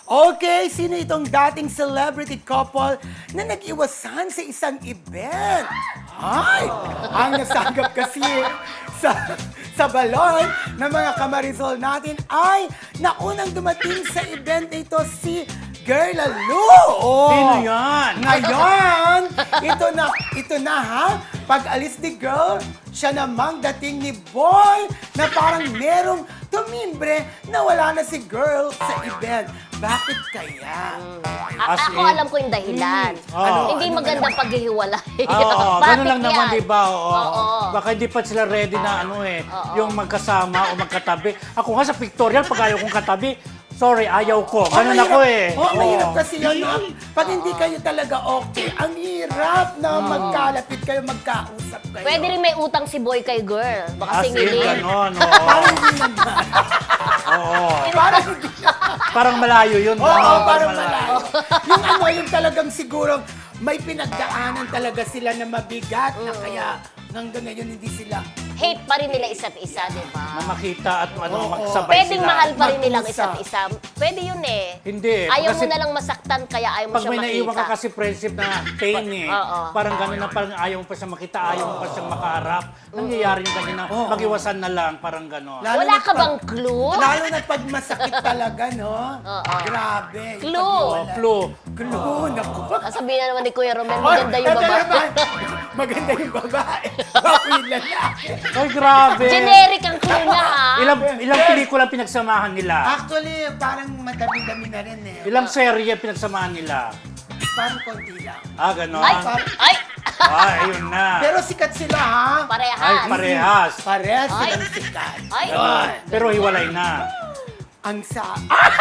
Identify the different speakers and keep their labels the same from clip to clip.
Speaker 1: Okay, sino itong dating celebrity couple na nag-iwasan sa isang event? Ay, ang nasagap kasi sa balon ng mga kamarisol natin ay naunang dumating sa event na ito si Girl Lalo. Oh.
Speaker 2: Sino yan?
Speaker 1: Ngayon, ito na ha. Pag-alis ni Girl, siya namang dating ni Boy na parang merong tumimbre na wala na si Girl sa event. Bakit kaya?
Speaker 2: As
Speaker 3: Ako
Speaker 2: in-
Speaker 3: alam ko yung dahilan.
Speaker 2: Ano?
Speaker 3: Hindi maganda paghihiwalay.
Speaker 2: Oo,
Speaker 3: Bakit
Speaker 2: ganun lang naman,
Speaker 3: yan?
Speaker 2: di ba? Oo.
Speaker 3: Oo.
Speaker 2: Baka hindi pa sila ready na yung magkasama o magkatabi. Ako nga sa pictorial, pag ayaw kong katabi, sorry, ayaw ko. Ganun ako eh.
Speaker 1: Mahirap
Speaker 2: Oo.
Speaker 1: kasi yun. Ha? Pag hindi kayo talaga okay, ang hirap na magkalapit kayo, magkausap kayo.
Speaker 3: Pwede rin may utang si boy kay girl. Baka
Speaker 2: As in,
Speaker 3: singilin.
Speaker 2: ganon. Oo.
Speaker 1: Parang hindi naman.
Speaker 2: Oo.
Speaker 1: Parang hindi
Speaker 2: Parang malayo yun.
Speaker 1: Oo,
Speaker 2: ano,
Speaker 1: parang malayo. Yung talagang siguro may pinagdaanan talaga sila na mabigat na kaya hanggang ngayon hindi sila
Speaker 3: Hate pa rin nila isa't isa, di ba?
Speaker 2: Na makita at
Speaker 1: Oo.
Speaker 2: magsabay
Speaker 3: Pwedeng
Speaker 2: sila.
Speaker 3: mahal pa rin nilang
Speaker 1: Mag-usap.
Speaker 3: isa't isa. Pwede yun eh.
Speaker 2: Hindi.
Speaker 3: Ayaw
Speaker 2: Kasi
Speaker 3: mo na lang masaktan, kaya ayaw mo
Speaker 2: pag
Speaker 3: siya
Speaker 2: may naiwan
Speaker 3: makita.
Speaker 2: ka kasi friendship na pain eh.
Speaker 3: Oo.
Speaker 2: Parang gano'n na parang ayaw mo pa siya makita, ayaw mo pa siyang makaharap. Nangyayari yung ganun na mag-iwasan na lang, parang gano'n.
Speaker 1: Lalo
Speaker 3: Wala
Speaker 1: na
Speaker 3: ka
Speaker 1: pag-
Speaker 3: bang clue?
Speaker 1: Lalo na pag masakit talaga, no?
Speaker 3: Oo.
Speaker 1: Grabe.
Speaker 3: Clue.
Speaker 2: Oh, flu.
Speaker 1: Clue, naku.
Speaker 3: Sabihin na naman ni Kuya Romel, maganda yung
Speaker 1: Ito
Speaker 3: babae.
Speaker 1: naman, maganda yung babae. Bago yung lalaki.
Speaker 2: Ay, grabe.
Speaker 3: Generic ang clue niya, ha?
Speaker 2: Ilang pelikula pinagsamahan nila?
Speaker 1: Actually, parang madami-dami na rin eh.
Speaker 2: Ilang serye pinagsamahan nila?
Speaker 1: Parang konti lang.
Speaker 2: Ah, gano'n?
Speaker 3: Ay! Ay!
Speaker 2: Ah, ayun na.
Speaker 1: Pero sikat sila, ha?
Speaker 3: Parehas.
Speaker 2: Ay, parehas.
Speaker 1: Parehas
Speaker 3: Ay.
Speaker 1: silang sikat.
Speaker 3: Ay!
Speaker 1: Yun.
Speaker 2: Pero hiwalay na.
Speaker 1: Ang sa...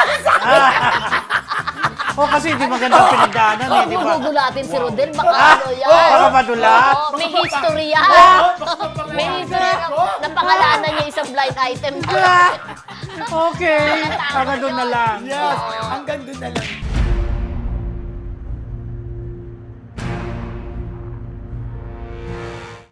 Speaker 2: O kasi hindi magandang pinagdaanan eh,
Speaker 3: Huwag
Speaker 2: di
Speaker 3: mo
Speaker 2: ba?
Speaker 3: gugulatin si Rodel, baka ano yan.
Speaker 2: Baka madula.
Speaker 3: Oo, may history yan. May history na pangalanan niya isang blind item.
Speaker 2: Okay. Hanggang doon na lang.
Speaker 1: Yes, hanggang doon na lang.